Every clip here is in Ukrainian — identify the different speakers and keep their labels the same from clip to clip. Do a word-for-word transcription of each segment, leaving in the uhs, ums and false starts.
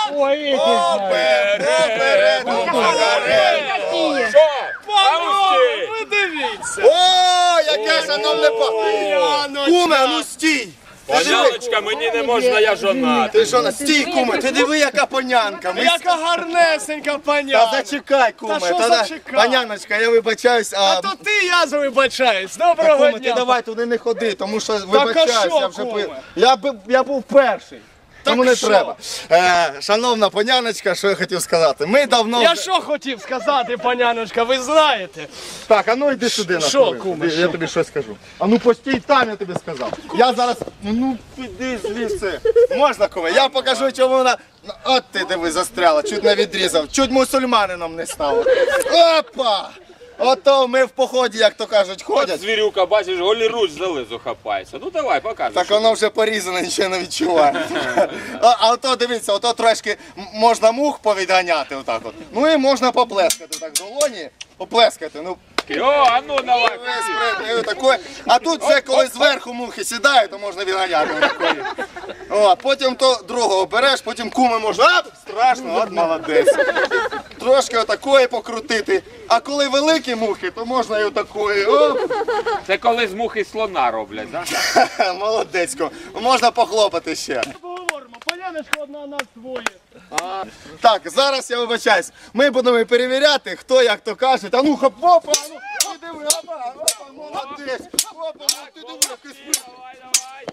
Speaker 1: Ой,
Speaker 2: Оперед,
Speaker 1: Що? Панове, ви дивіться.
Speaker 2: О, яке шановне па... Куме, а ну стій.
Speaker 3: Паняночка, мені не можна, я жонатий.
Speaker 2: Ти що, на стій, куме, ти диви, яка панянка. Ми...
Speaker 1: Яка гарнесенька
Speaker 2: Та
Speaker 1: паня.
Speaker 2: зачекай, куме.
Speaker 1: Та що
Speaker 2: Та да-
Speaker 1: зачекай?
Speaker 2: Паняночка, я вибачаюсь, а...
Speaker 1: А то ти, я за вибачаюсь.
Speaker 2: Та,
Speaker 1: Доброго
Speaker 2: куме, ти
Speaker 1: дня.
Speaker 2: давай туди не ходи, тому що
Speaker 1: а
Speaker 2: вибачаюсь,
Speaker 1: що,
Speaker 2: я вже
Speaker 1: куме?
Speaker 2: пи- я, б- я був перший. Тому не
Speaker 1: що?
Speaker 2: треба. Е, шановна паняночка, що я хотів сказати. Ми давно...
Speaker 1: Я
Speaker 2: вже-
Speaker 1: що хотів сказати, паняночка, ви знаєте.
Speaker 2: Так, а ну йди сюди на
Speaker 1: Що,
Speaker 2: хвилину.
Speaker 1: куме,
Speaker 2: Я тобі щось скажу. А ну постій там, я тобі сказав. Я зараз. Ну піди звідси. Можна, куме? Я покажу, чому вона. Ну, от ти диви, застряла, чуть не відрізав, чуть мусульманином не стало. Опа! Ото ми в поході, як то кажуть,
Speaker 3: От
Speaker 2: ходять.
Speaker 3: звірюка, бачиш, голіруч за лизу хапається. Ну давай, покажи.
Speaker 2: Так
Speaker 3: що
Speaker 2: воно вже порізане, нічого не відчуває. А, а ото дивіться, ото трошки м- можна мух повідганяти отак от. Ну і можна поплескати так в долоні. Поплескати, ну.
Speaker 3: ти. О, а ну давай.
Speaker 2: Весь пред- отакої. А тут вже коли зверху мухи сідають, то можна відганяти. отакої. О, потім то другого береш, потім куми можна. Ап, страшно, от молодець. Трошки отакої покрутити. А коли великі мухи, то можна і отакої. Оп,
Speaker 3: Це коли з мухи слона роблять, так?
Speaker 2: молодецько. Можна похлопати ще.
Speaker 1: Поговоримо, паняночка одна нас двоє.
Speaker 2: Так, зараз я вибачаюсь. Ми будемо перевіряти, хто як то каже. А ну хоп, опа, а ну, ти диви, опа, опа, молодець. Опа, ну, ти диви, який сприт.
Speaker 3: Давай, давай.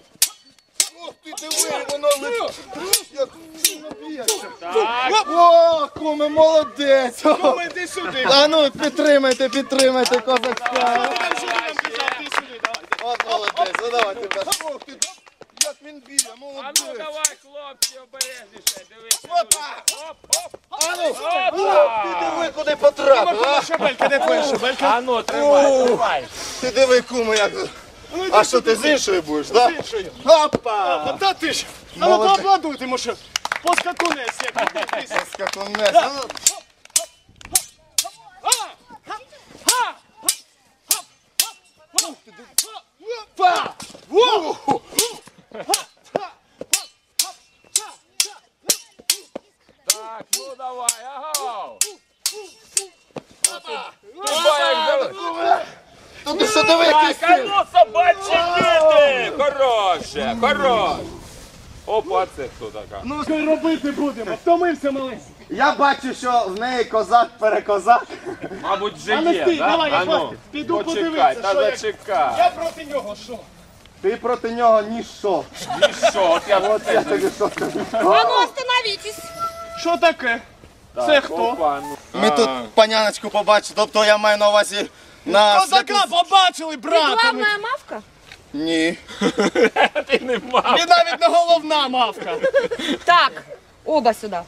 Speaker 2: Ох, ти диви, воно летить. Як сильно б'ється.
Speaker 3: Так.
Speaker 2: О, куме, молодець.
Speaker 1: Куме, йди сюди.
Speaker 2: А ну, підтримайте, підтримайте козачка.
Speaker 1: Я вже вам казав, ти сюди, давай.
Speaker 2: От молодець, ну давай тебе. Ох, ти, як він б'є,
Speaker 3: А ну
Speaker 2: молодець.
Speaker 3: давай, хлопці, обережніше. Дивись.
Speaker 2: Опа!
Speaker 3: Оп, оп.
Speaker 2: А ну,
Speaker 3: Опа!
Speaker 2: ти диви, куди потрапив, а?
Speaker 1: Шабелька, де твоя шабелька?
Speaker 3: А ну, тримай, тримай.
Speaker 2: Ти диви, куме, як... А що, ти з іншої будеш, так?
Speaker 1: З іншої.
Speaker 2: Опа!
Speaker 1: Та ти ж. А ну
Speaker 2: Молодець.
Speaker 1: поаплодуйте, може. Поскакунець, як іди.
Speaker 2: Скакунець. А ну,
Speaker 1: Па! Во!
Speaker 3: Так, ну давай, ага.
Speaker 2: Тут ти що диви, який
Speaker 3: Так, а
Speaker 2: стиль.
Speaker 3: ну собачі діти! Хороше, хороше. Опа, це хто така?
Speaker 1: Ну, що й робити будемо? Втомився маленький.
Speaker 2: Я бачу, що в неї козак-перекозак.
Speaker 3: Мабуть, вже
Speaker 1: А ну
Speaker 3: є,
Speaker 1: стій,
Speaker 3: так?
Speaker 1: давай, я
Speaker 3: А ну,
Speaker 1: хвастаю. Піду
Speaker 3: почекай,
Speaker 1: подивитися,
Speaker 3: та
Speaker 1: що як.
Speaker 3: зачекай.
Speaker 1: Я проти нього, що?
Speaker 2: Ти проти нього ніщо.
Speaker 3: І що, от я
Speaker 2: От я тобі що скажу.
Speaker 4: А ну остановитесь!
Speaker 1: Що таке? Це хто?
Speaker 3: Опа, ну.
Speaker 2: Ми тут паняночку побачили, тобто я маю на увазі на...
Speaker 1: Козака побачили, брата.
Speaker 4: Главная мавка?
Speaker 2: Ні.
Speaker 3: Ти не мав.
Speaker 1: І навіть не головна мавка.
Speaker 4: Так, оба сюда.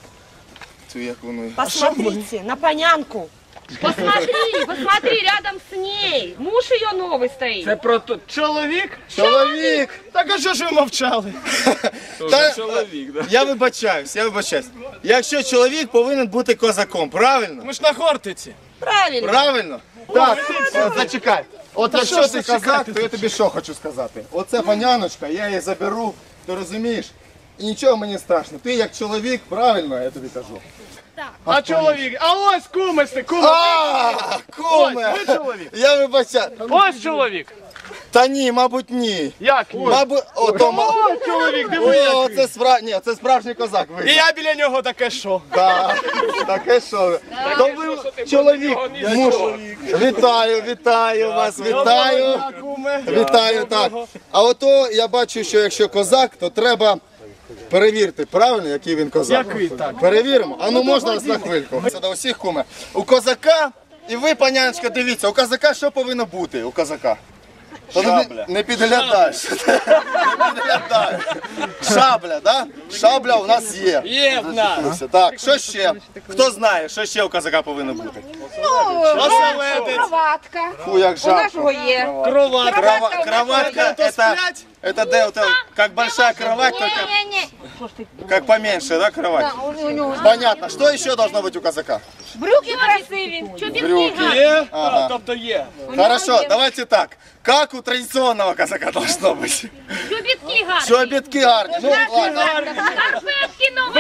Speaker 2: Цю як воно.
Speaker 4: Посмотрите на понянку. Посмотри, посмотри, рядом с ней. Муж ее новый стоит.
Speaker 3: Це про то.
Speaker 1: Чоловік?
Speaker 2: Чоловік!
Speaker 1: Так а що ж ви мовчали?
Speaker 2: Та-
Speaker 3: чоловік, да?
Speaker 2: Я вибачаюсь, я вибачаюсь. Якщо чоловік повинен бути козаком, правильно?
Speaker 1: Ми ж на Хортиці.
Speaker 4: Правильно.
Speaker 2: Правильно? Так, от зачекай. От якщо
Speaker 1: що ж
Speaker 2: ти
Speaker 1: зачекати
Speaker 2: козак, то я тобі що хочу сказати. Оце паняночка, я її заберу, ти розумієш? І нічого мені страшно. Ти як чоловік, правильно, я тобі кажу.
Speaker 1: А чоловік? А ось кумиси, куми.
Speaker 2: А, куме!
Speaker 1: Ось ви чоловік.
Speaker 2: Я вибачаю.
Speaker 1: Ось чоловік.
Speaker 2: Та ні, мабуть, ні.
Speaker 1: Як ні?
Speaker 2: Мабуть, ото, ма-
Speaker 1: Ось чоловік, диви
Speaker 2: О,
Speaker 1: який.
Speaker 2: це справ... Ні, це справжній козак
Speaker 1: І
Speaker 2: вийде.
Speaker 1: я біля нього таке що?
Speaker 2: Так, таке що ви. То ви чоловік, муж. Вітаю, вітаю вас, вітаю.
Speaker 1: Доброго дня, куме.
Speaker 2: Вітаю, так. А ото я бачу, що якщо козак, то треба перевірити, правильно, який він козак.
Speaker 1: Який, так.
Speaker 2: Перевіримо. А ну можна нас на хвильку. Це до усіх, куме. У козака, і ви, паняночка, дивіться, у козака що повинно бути у козака? То не-
Speaker 3: Шабля.
Speaker 2: Не підглядаєш. Не підглядаєш. Шабля, да? Шабля у нас є.
Speaker 1: Є в нас.
Speaker 2: Так, що ще? Хто знає, що ще у козака повинно бути?
Speaker 1: Оселедець.
Speaker 4: Кроватка.
Speaker 2: Фу, як
Speaker 4: У
Speaker 2: жарко.
Speaker 4: нашого є.
Speaker 1: Кроватка.
Speaker 2: Крова- Кроватка,
Speaker 1: То
Speaker 2: это,
Speaker 1: сплять?
Speaker 2: это, де, это как большая кровать, только
Speaker 4: Не-не-не.
Speaker 2: как поменьше, да, кровать?
Speaker 4: У него
Speaker 2: Понятно. Что еще должно быть у казака?
Speaker 4: брюки красиві.
Speaker 2: Брюки.
Speaker 1: Є?
Speaker 2: Ага.
Speaker 1: А, тобто є.
Speaker 2: Хорошо, давайте так. Как у традиционного казака должно быть?
Speaker 5: Чобітки гарні.
Speaker 2: Чобітки гарні. Ну, ладно.
Speaker 5: Шкарпетки новенькі, що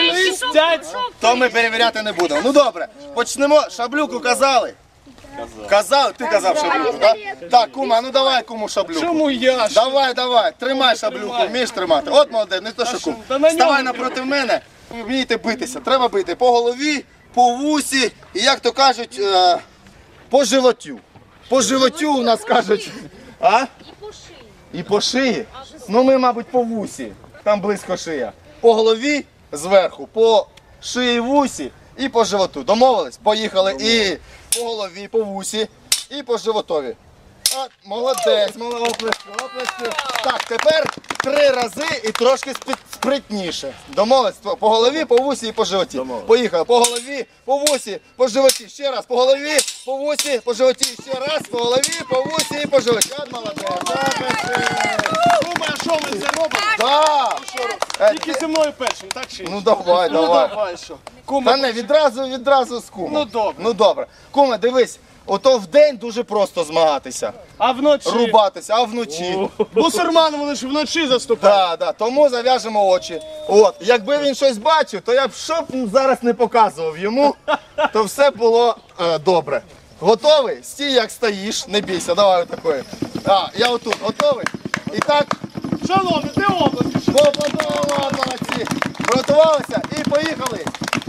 Speaker 1: Свистять.
Speaker 2: То ми перевіряти не будемо. Ну добре, почнемо. Шаблюку казали? Казав, ти казав шаблюку, так? Так, кума, ну давай куму шаблюку.
Speaker 1: Чому я ж?
Speaker 2: Давай, давай, тримай шаблюку,
Speaker 1: Тримай.
Speaker 2: вмієш тримати. От молодець, не то що кум.
Speaker 1: Та на нього
Speaker 2: Ставай
Speaker 1: треба.
Speaker 2: напроти мене, ви вмієте битися. Треба бити по голові, по вусі і, як то кажуть, е, по животю. По животю у нас кажуть. А? І по шиї. І по шиї? Ну ми, мабуть, по вусі. Там близько шия. По голові зверху, по шиї вусі і по животу. Домовились? Поїхали. І по голові, по вусі, і по животові. А, молодець, молодець, оплески, оплески. Так, тепер три рази і трошки спи- спритніше. Домовились? По голові, по вусі і по животі. Поїхали. По голові, по вусі, по животі. Ще раз. По голові, по вусі, по животі. Ще раз. По голові, по вусі і по животі. От молодець. Оплески.
Speaker 1: Кума, а що ми це робимо?
Speaker 2: Да. Е,
Speaker 1: Тільки зі мною першим, так чи ні?
Speaker 2: Ну давай,
Speaker 1: Ну
Speaker 2: давай.
Speaker 1: давай, що?
Speaker 2: Та
Speaker 1: Кума,
Speaker 2: не, відразу, відразу з кумом.
Speaker 1: Ну, добре.
Speaker 2: Ну добре. Куме, дивись, ото вдень дуже просто змагатися.
Speaker 1: а вночі?
Speaker 2: Рубатися, а вночі.
Speaker 1: Бусурмани вони ж вночі заступають.
Speaker 2: Так, да, тому зав'яжемо очі. От, якби він щось бачив, то я б що б зараз не показував йому, то все було е, добре. Готовий? Стій, як стоїш, не бійся, давай отакої. А, я отут, готовий? І так,
Speaker 1: Шановні, де область?
Speaker 2: поаплодували, молодці. Приготувалися і поїхали.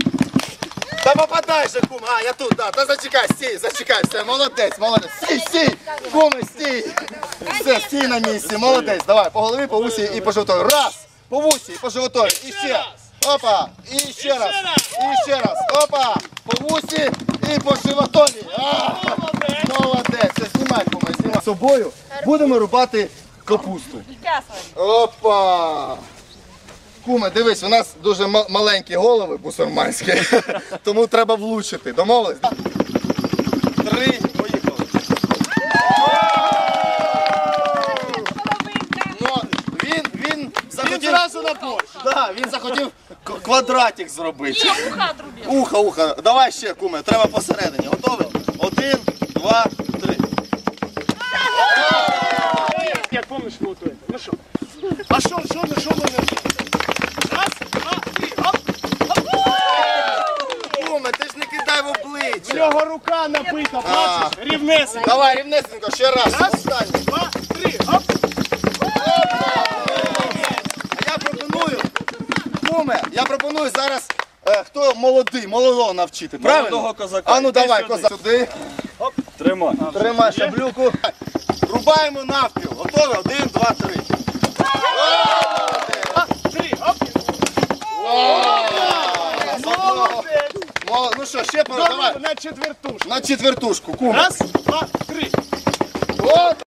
Speaker 2: Та попадай же, кум. А, я тут, да. Та зачекай, стій, зачекай, все, молодець, молодець. Стій, стій, куми, стій. Все, стій на місці, молодець. Давай, по голові, по вусі і по животові. Раз, по вусі, по животові. І ще. Опа, і ще раз. І ще раз. Опа, по вусі і по животові. А, молодець. Все, знімай, куми, знімай. З собою будемо рубати капусту. Опа! Куме, дивись, у нас дуже ма- маленькі голови бусурманські, тому треба влучити. Домовились? Три, поїхали. Ну, він, він
Speaker 1: Він
Speaker 2: захотів,
Speaker 1: зразу на борщ.
Speaker 2: да, він захотів к- квадратик зробити.
Speaker 4: Не, уха отрубил.
Speaker 2: Ухо, ухо. Давай ще, куме, треба посередині. Готовий? Один, два, три.
Speaker 1: Як помниш, ми готуємо. Ну що? А що, що, ну що ми не... Раз, два, три, оп!
Speaker 2: Куме, ти ж не кидай в
Speaker 1: В
Speaker 2: обличчя.
Speaker 1: нього рука напита, бачиш? Рівнесенька.
Speaker 2: Давай, рівнесенько, ще раз. Останній.
Speaker 1: Два, три, оп!
Speaker 2: А я пропоную, куме, я пропоную зараз, е, хто молодий, молодого навчити, правильно?
Speaker 3: Молодого козака.
Speaker 2: А ну
Speaker 3: Йди
Speaker 2: давай,
Speaker 3: сюди.
Speaker 2: козак. Сюди,
Speaker 3: Тримай.
Speaker 2: тримай шаблюку. Рубаємо навпіл. Готові? Один, два, три.
Speaker 1: Три, оп!
Speaker 2: Мол- Ну що, ще пора, давай.
Speaker 1: На четвертушку.
Speaker 2: На четвертушку, куме.
Speaker 1: Раз, два, три.